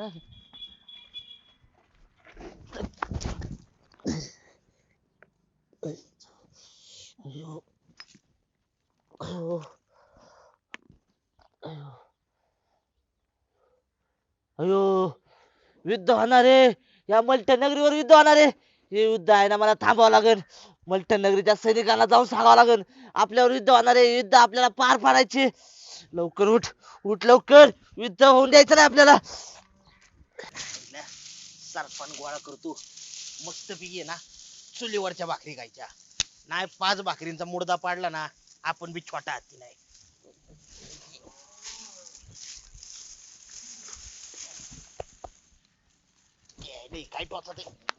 अयो, अयो, अयो, अयो, युद्ध होणार आहे. या मलठण नगरीवर युद्ध होणार आहे. हे युद्ध आहे ना, मला थांबावं लागेल. मलठण नगरीच्या सैनिकांना जाऊन सांगावं लागेल आपल्यावर युद्ध होणार आहे. युद्ध आपल्याला पार पाडायचे. लवकर उठ, उठ लवकर. युद्ध होऊन द्यायचं नाही आपल्याला. सरपण गोळा करतो मस्त पिये ना, चुलीवरच्या भाकरी खायच्या नाही. 5 भाकरींचा मुडदा पाडला ना, आपण बी छोटा हाती नाही. काय टोचत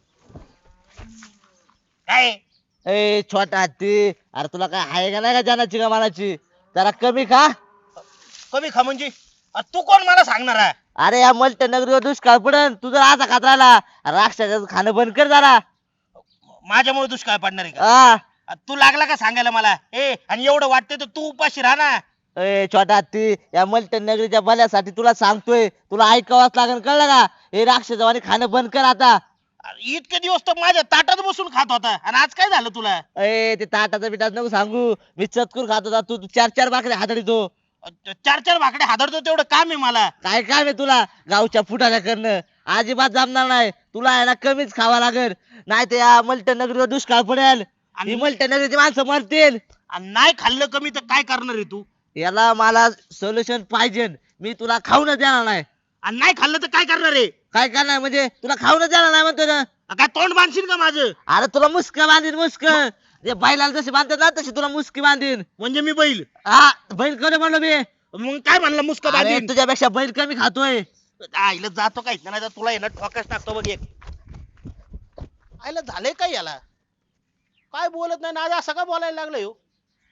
काय? ए छोटा हत्ती, अरे तुला काय आहे का नाही का जानाची का मानाची? जरा कमी खा. कमी खा म्हणजे? तू कोण मला सांगणार आहे? अरे या मलठण नगरीवर दुष्काळ पडन, तू जर आता खात राहिला राक्षसाचं खाणं बंद कर जरा. माझ्यामुळे दुष्काळ पडणार आहे का? हा. तू लागला का सांगायला मला? आणि एवढं वाटतंय तर तू उपाशी राहा ना. ए छोटा हत्ती, या मलठण नगरीच्या भल्यासाठी तुला सांगतोय, तुला ऐकावंच लागेल, कळलं का? हे राक्षसवाणी खाणं बंद कर आता. इतके दिवस तर माझ्या ताटात बसून खात होता आणि आज काय झालं तुला? ए ते ताटाचं बिटाचं नको सांगू. मी चतकूर खात होता, तू 4-4 भाकरी हाताळीतो. 4-4 भाकडे हादरतो तेवढं काम आहे मला. काय काम आहे तुला गावच्या फुटाऱ्या करणं? अजिबात जमणार नाही. तुला आहे ना कमीच खावा लागेल, नाही तर या मलठण नगरीवर दुष्काळ पडेल. ही मलठण नगरीची माणसं मरतील. आणि नाही खाल्लं कमी तर काय करणार आहे तू? याला मला सोल्युशन पाहिजे. मी तुला खाऊनच देणार नाही. आणि नाही खाल्लं तर काय करणार आहे? काय करणार म्हणजे? तुला खाऊनच देणार नाही म्हणतो ना. काय तोंड बांधशील का माझं? अरे तुला मुस्क बांधीन, मुस्क. जे बैलाला जशी बांधतात ना तशी तुला मुस्की बांधीन. म्हणजे मी बैल? हा, बैल कोणी म्हणलो मी? मग काय म्हणलं मुस्क अरे बांधीन? तुझ्यापेक्षा बैल कमी खातोय. आईला जातो काय नाही तर तुला येणं ठोकाच टाकतो बघ एक. आईला झालंय काय याला? काय बोलत नाही ना, आज असं का बोलायला लागलं हो?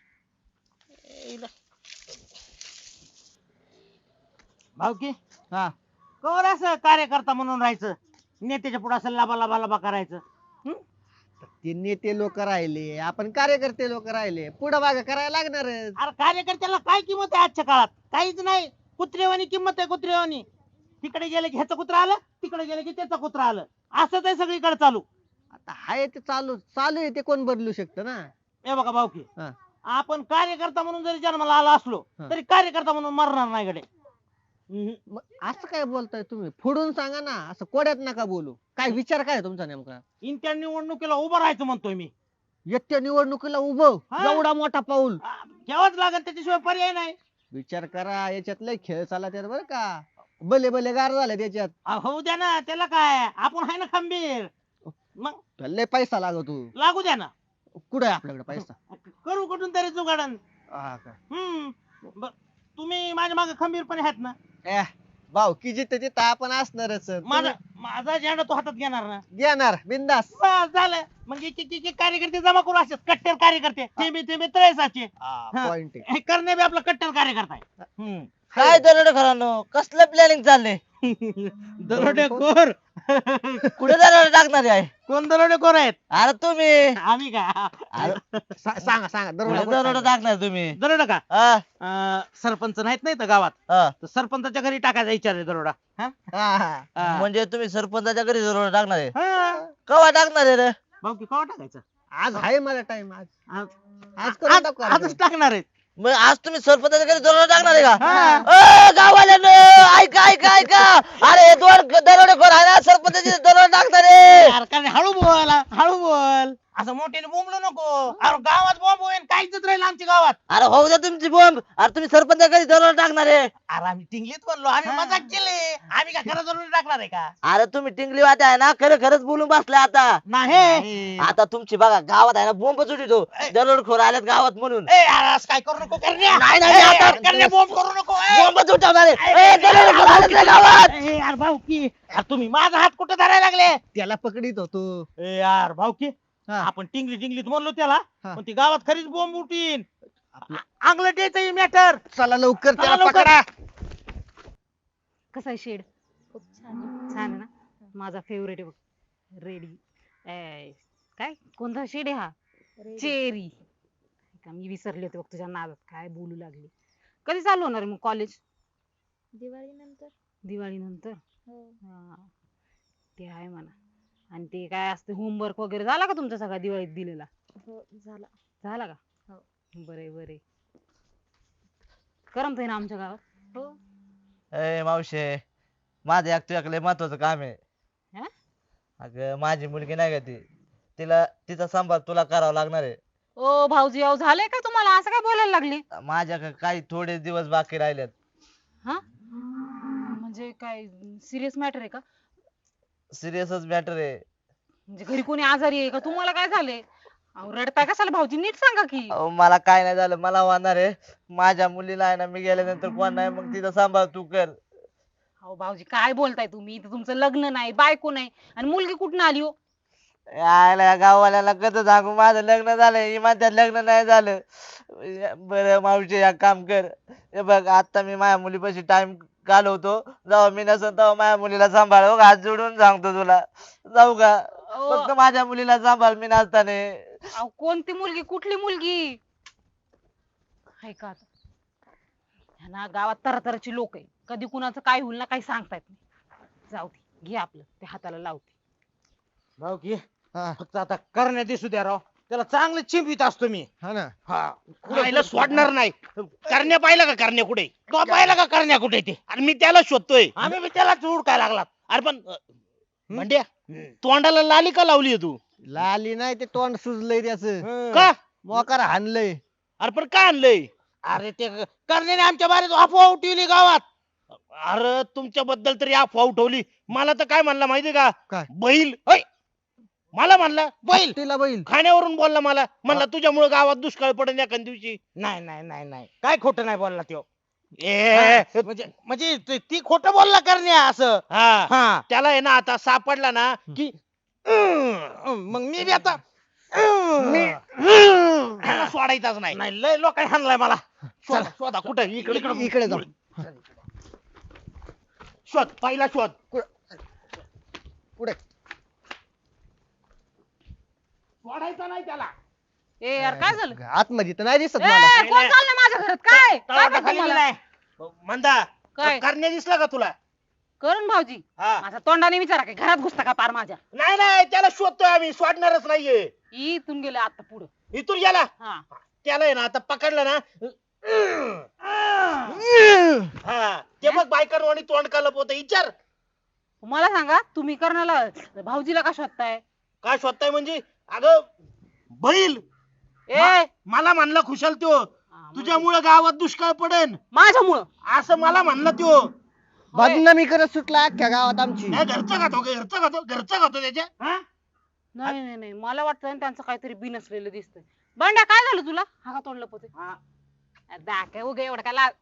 भाऊकी हा, कवर असं कार्यकर्ता म्हणून राहायचं, नेत्याच्या पुढे असं लाबा लाबा लाबा करायचं. ते नेते लोक राहिले, आपण कार्यकर्ते लोक राहिले, पुढं मागं करायला लागणारच. अरे कार्यकर्त्याला काय किंमत आहे आजच्या काळात? काहीच नाही. कुत्रेवानी किंमत आहे, कुत्रेवानी. तिकडे गेले की ह्याचं कुत्र आलं, तिकडे गेले की त्याचं कुत्र आलं. असंच आहे सगळीकडे चालू. आता हाय ते चालू चालू आहे, ते कोण बदलू शकतं ना. हे बघा भाऊकी, हा. आपण कार्यकर्ता म्हणून जरी जन्माला आला असलो हा. तरी कार्यकर्ता म्हणून मरणार नाही गडे. मग असं काय बोलताय तुम्ही? फोडून सांगा ना, असं कोड्यात नका बोलू. काय विचार काय आहे तुमचा नेमका? इंत्या निवडणुकीला उभं राहायचं म्हणतोय मी. येत्या निवडणुकीला उभं, हा. एवढा मोठा पाऊल. घ्यावंच लागेल, त्याच्याशिवाय पर्याय नाही. विचार करा, याच्यात लय खेळ चालला त्यात बरं का. भले भले गार झाले त्याच्यात. होऊ द्या ना, त्याला काय, आपण आहे ना खंबीर. मग त्याला लय पैसा लागतो. लागू द्या ना. कुठे आहे आपल्याकडे पैसा? करू कुठून तरी जुगाडन. हा का? तुम्ही माझ्या मागे खंबीरपणे आहेत ना? भाऊ की जिथं तिथं आपण असणारच. माझा झेंडा तो हातात घेणार ना? घेणार बिंदास. बस झालं. मग एक कार्यकर्ते जमा करू, असेच कट्टर कार्यकर्ते. थेंबे थेंबे तळेसाचे. पॉइंट आहे. हे करणे बी आपला कट्टर कार्यकर्ता आहे. काय दरोडे खरानो, कसलं प्लॅनिंग चाललंय? दरोडेखोर. कुठे दरोडे टाकणार आहे? कोण दरोडेखोर आहेत? अरे तुम्ही. आम्ही का? सांगा सांगा कुठे दरोडा दरोडे टाकणार तुम्ही? दरोडा का? हा, सरपंच नाहीत नाही तर गावात, हा. तर सरपंचाच्या घरी टाकायचा विचार आहे दरोडा. म्हणजे तुम्ही सरपंचाच्या घरी दरोडे टाकणार आहे? हा. कवा टाकणार आहे रे? भाऊ की कवा टाकायचं? आज आहे मला टाइम. आज आज- आज करून टाकू आजच आपण. टाकणार आहेत. मग आज तुम्ही सरपंचाच्या घरी दरोडे टाकणार आहे का? हा. गाववाल्यानो, ऐका ऐका ऐका. अरे 2 दरोडेखोर आहे ना, सरपंचाचे दरोडे टाकणार आहे. यार, कारण हळू बोल, हळू बोल. असं मोठ्याने बोंबलो नको. अरे गावात बॉम्ब होईल, काहीच राहील आमच्या गावात. अरे होऊ द्या तुमची बॉम्ब. अरे तुम्ही सरपंचाच्या घरी दरोडे टाकणार आहे? अरे आम्ही टिंगलीत बोललो, आम्ही मजाक केली. आम्ही काय खरं जरूर टाकणार आहे का? अरे तुम्ही टिंगली वाटे आहे ना, खरं खरंच बोलून बसलाय आता. नाही. आता तुमची बघा गावात आहे ना बोंब उठतो, दरोडेखोर आलेत गावात म्हणून. ए यार, असं काय करू नको करण्या. नाही, नाही, आता- करण्या बॉम्ब करू नको. ए. बोंब उठवणार आहे. दरोडेखोर आलेत रे गावात. ए यार भाऊकी, अरे तुम्ही माझा हात कुठे धरायला लागले? त्याला पकडीत होतो. ए यार भाऊकी, हा. आपण टिंगली टिंगलीत म्हणलो त्याला, हा. पण ती गावात खरीच बॉम्ब उठीन. अंगलट यायचं मॅटर. चला लवकर चला त्याला लवकर. पकडा. कसा आहे शेड? खूप छान आहे ना. माझा फेवरेट आहे बघ, रेडी. काय कोणता शेड आहे हा? चेरी. का मी विसरले होते बघ तुझ्या नादात, काय बोलू लागली. कधी चालू होणार आहे मग कॉलेज? दिवाळीनंतर. दिवाळी नंतर. हा, ते आहे म्हणा. आणि ते काय असते होमवर्क वगैरे झाला का तुमचा सगळा दिवाळीत दिलेला? झाला का? बरे बरे. करमतंय ना आमच्या गावात? ए मावशे, माझं एक तुझ्याकडे लय महत्वाचं काम आहे. हा? अगं माझी मुलगी नाही का ती, तिचा सांभाळ तुला करावा लागणार आहे. ओ भाऊजी, अहो झालंय का तुम्हाला असं काय बोलायला लागले? माझ्याकडे काही थोडे दिवस बाकी राहिलेत. हा, म्हणजे काय सिरियस मॅटर आहे का? सिरियसच मॅटर आहे. म्हणजे घरी कोणी आजारी आहे का? तुम्हाला काय झालंय? अहो रडताय कशाला भाऊजी, नीट सांगा की. अहो, मला काय नाही झालं, मला होणार आहे. माझ्या मुलीला आहे ना, मी गेल्यानंतर कोण नाही, मग तिचा सांभाळ तू कर. अहो भाऊजी काय बोलताय तुम्ही? इथं तुमचं लग्न नाही, बायको नाही, आणि मुलगी कुठून आली हो? यायला या गाववाल्याला कसं सांगू, माझं लग्न झालंय, ही म्हणतात लग्न नाही झालं. बरं मावशी, एक काम कर, हे बघ आता मी माझ्या मुलीपाशी टाइम घालवतो, जेव्हा मी नसन तेव्हा माझ्या मुलीला सांभाळ. हो, हात जोडून सांगतो तुला. जाऊ का? अहो, फक्त माझ्या मुलीला सांभाळ, मी नसताना. अहो कोणती मुलगी? कुठली मुलगी? हाय का आता? ह्या ना गावात तरातराची लोक आहे, कधी कुणाचं काय होईल ना काही सांगता येत नाही. जाऊ दे, घे आपलं, ते हाताला लावते. भाऊ की हा फक्त आता करण्यात दिसू द्या राव, त्याला चांगलं चिंपित असतो मी. हा ना. हा राहिलं सोडणार नाही. करण्या पाहिला का? करण्या कुठे? तो पाहिला का करण्या कुठे ते? आणि मी त्याला शोधतोय. आम्ही बी त्याला हुडकाय लागलात. अरे पण म्हणड्या, तोंडाला लाली का लावली तू? लाली नाही, ते तोंड सुजलंय त्याच. का? मोकार हाणलंय. अरे पण काय आणलंय? अरे ते करण्याने आमच्या बारीत अफवा उठवली गावात. अरे तुमच्याबद्दल तरी अफवा उठवली. मला तर काय म्हणला माहितीये का? काय? बैल. होय, मला म्हणला बैल. तिला बैल. खाण्यावरून बोलला मला. म्हणला तुझ्यामुळे गावात दुष्काळ पडेल एखाद दिवशी. नाही नाही नाही नाही, काय खोटं नाही बोलला त्यो. ए म्हणजे म्हणजे ती खोटं बोलला करण्या असं. हा, हा त्याला आहे ना आता सापडला ना की मग मी बी आता त्याला सोडायचाच नाही. नाही, लय लोकांनी हाणलाय मला. शोधा शोधा, कुठे? इकडे इकडे जाऊ. शोध, पहिला शोध. पुढे. सोडायचा नाही त्याला. ए यार काय झालं? आतमध्ये तर नाही दिसत ए, मला. कोण चाललंय माझ्या घरात? काय काय तळाटा करतो खाली मला? नाही. मंदा, काय? करण्या दिसला का तुला? करून भाऊजी, हा. माझा तोंडाने विचारा काय घरात घुसता का पार माझ्या? नाही नाही, त्याला शोधतोय आम्ही, सोडणारच नाहीये. इथून गेले आता पुढं. इथून गेला. हा, त्याला आहे ना आता पकडलं ना. हा, ते बघ बायकर आणि तोंड कालप होत. विचार मला सांगा, तुम्ही करण्याला भाऊजीला का शोधताय? काय शोधताय म्हणजे? अगं बैल. ए मला म्हणला खुशाल त्यो, तुझ्यामुळे गावात दुष्काळ पडेल माझ्यामुळं? असं मला म्हणला त्यो. बदनामी करत सुटला अख्ख्या गावात आमची. नाही, घरचं खातो घरचं खातो त्याच्या. हा? नाही नाही नाही, मला वाटतं ना त्यांचं काहीतरी बिनसलेलं दिसतंय. बंड्या काय झालं तुला? हा का तोंड लपवते? दाखव उगे एवढं काय लाज.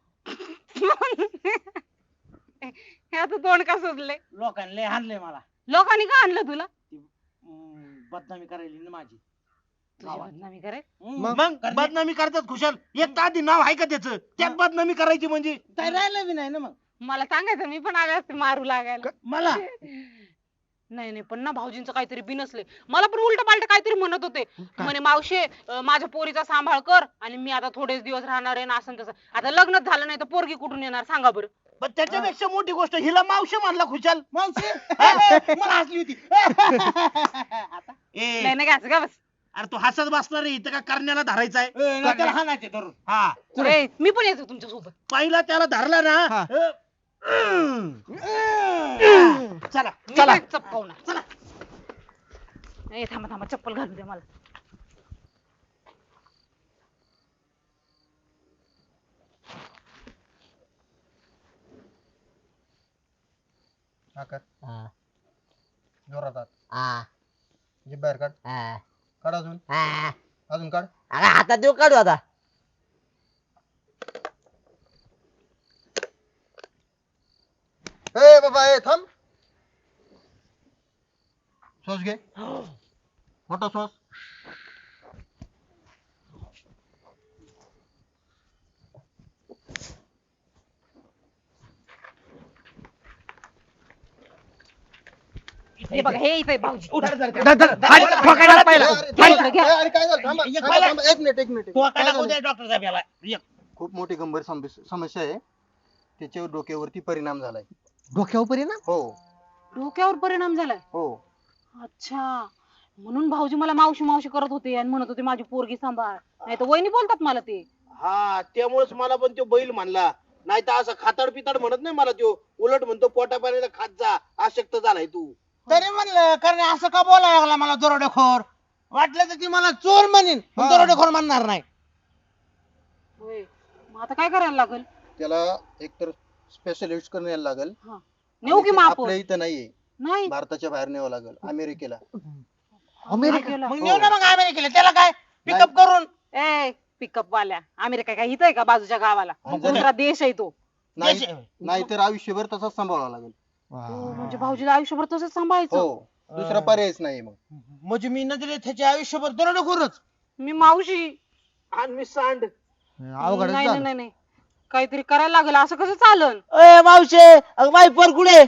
ह्याचं तोंड का सुजलंय? लोकांनी लय हाणलंय मला. लोकांनी का आणलं तुला? बदनामी करायली ना माझी. तुझी बदनामी करे? मग बदनामी करतात खुशाल. एक तर आधी नाव आहे का त्याचं, त्यात बदनामी करायची म्हणजे? काय राहिलं बी नाही ना मग. मला सांगायचं, मी पण आले असते मारू लागायला. मला नाही नाही, पण ना भाऊजींचं काहीतरी बिनसले. मला पण उलट पालट काहीतरी म्हणत होते. म्हणे मावशे, माझ्या पोरीचा सांभाळ कर, आणि मी आता थोडेच दिवस राहणार आहे ना, असं तसं. आता लग्नच झालं नाही तर पोरगी कुठून येणार सांगा बरं? पण त्याच्यापेक्षा मोठी गोष्ट, हिला मावशी म्हणला खुशाल. मावशी मला हसली होती. ए नाही नाही, घ्यायचं का बस. अरे तू हसत बसणार रे, इथं का करण्याला धरायचा आहे? नाही, त्याला हाणायचे धरून. हा, ए, मी पण येतो तुमच्या सोबत. पहिला त्याला धरला ना. हा. चला मी चला. काय चपकावणार? चला. ए थांबा थांबा, चप्पल घालू द्या मला. जोरात जीभ बाहेर काढ. काढ अजून. अजून काढ. हातात देऊ काढू आता. ए बाबा, ए थांब. श्वास घे. मोठा श्वास. हे बघा, हे इथे भाऊजी. ठोकायला पाहिला. अरे काय झालं? थांबा, एक थांबा, पहिला- थांबा. एक मिनिट, एक मिनिट. तो काय काय झालं? डॉक्टर साहेब याला. खूप मोठी गंभीर समस्या आहे. त्याच्यावर डोक्यावरती परिणाम झालाय. डोक्यावर परिणाम हो डोक्यावर परिणाम झालाय हो. अच्छा म्हणून भाऊजी मला मावशी मावशी करत होते आणि म्हणत होते माझी पोरगी सांभाळ नाही तर वहिनी बोलतात मला ते. हा त्यामुळेच मला पण तो बैल म्हणला, नाही तर असं खाताड पिताड म्हणत नाही मला तो, उलट म्हणतो पोटापाण्याचा खात जा, अशक्त झालाय तू. तरी म्हणलं कारण असं का बोलायला लागला मला दरोडेखोर. वाटलं तर ती मला चोर म्हणेन पण हा. दरोडेखोर म्हणणार नाही. होय मग आता काय करायला लागेल? त्याला एकतर स्पेशलिस्ट कडे न्यायला लागेल. नेऊ की आणि मग ते आपण? आपल्या इथं नाहीये, नाही भारताच्या बाहेर न्यावं लागेल, अमेरिकेला. अमेरिकेला मग नेऊ ना मग अमेरिकेला, त्याला काय पिकअप करून. ए पिकअप वाल्या अमेरिका काय इथं आहे का बाजूच्या गावाला? आणि जर- दुसरा देश आहे तो. नाही नाहीतर आयुष्यभर तसंच सांभाळावं लागेल. हो, म्हणजे भाऊजीला आयुष्यभर तसंच सांभाळायचं. हो दुसरा पर्यायच नाही मग. म्हणजे मी नजरेत त्याचे आयुष्यभर दरोडेखोरच. मी मावशी. आणि मी सांड. अवघडच नाही झालं. नाही नाही काहीतरी करायला लागेल, असं कसं चालन? ए मावशे अगं माई पोर कुठे?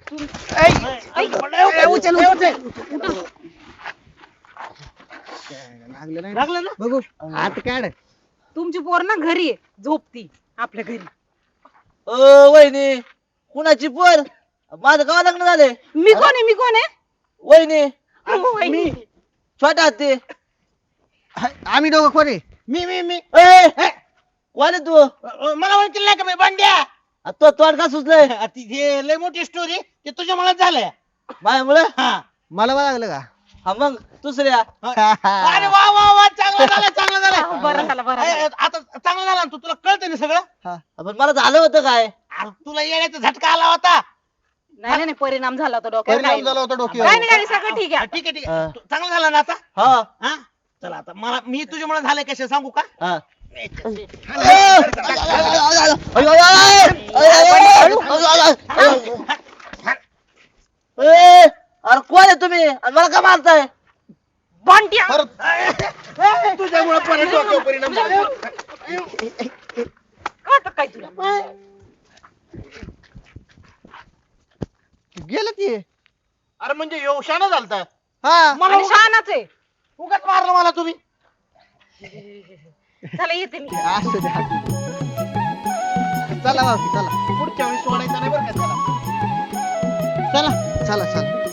लागलं नाही लागलं ना. बघू हात काढ. तुमची पोर ना घरी आहे, झोपती आपल्या घरी. ओ वहिनी कुणाची पोर? माझं केव्हा लग्न झाले? मी कोण आहे? मी कोण आहे? वहिनी वहिनी. छोटा ते आम्ही दोघं कोण आहे? मी ए कोण आहे तू? मला म्हणतील नाही का मी बंड्या. आ, तो तोंड का सुचलंय ती हे लय मोठी स्टोरी ते तुझ्या मनात झालंय. माझ्यामुळे? हा. मला बघ लागलं का? हा मग दुसऱ्या अरे वा वा वा चांगलं झालं चांगलं झालं. बरं झालं बरं झालं. आता चांगलं झालं ना तू, तुला कळतं ना सगळं. पण मला झालं होतं काय? अरे तुला येण्याचा झटका आला होता. नाही नाही परिणाम झाला होता डोक्यावर. परिणाम काही झाला नाही. होता काही डोक्यावर. नाही काही नाही, सगळं ठीक आहे. ठीक आहे ठीक हा. आहे चांगलं झालं ना आता. हा हा चला आता मला मी तुझ्या मनात झालंय कशा सांगू का. हा अरे कोण आहे तुम्ही आणि मला का मारताय? बंट्या. तुझ्यामुळे परत डोक्यावर परिणाम झाला. कळतं काय तुला? गेलं ते. अरे म्हणजे योशाना झालता. हा मला आणि शहाणाच आहे. उगाच मारलं मला तुम्ही. चला येते मी. असू दे, असू दे. चला मावशी चला पुढच्या वेळी सोडायचं नाही बरं का त्याला. चला चला चला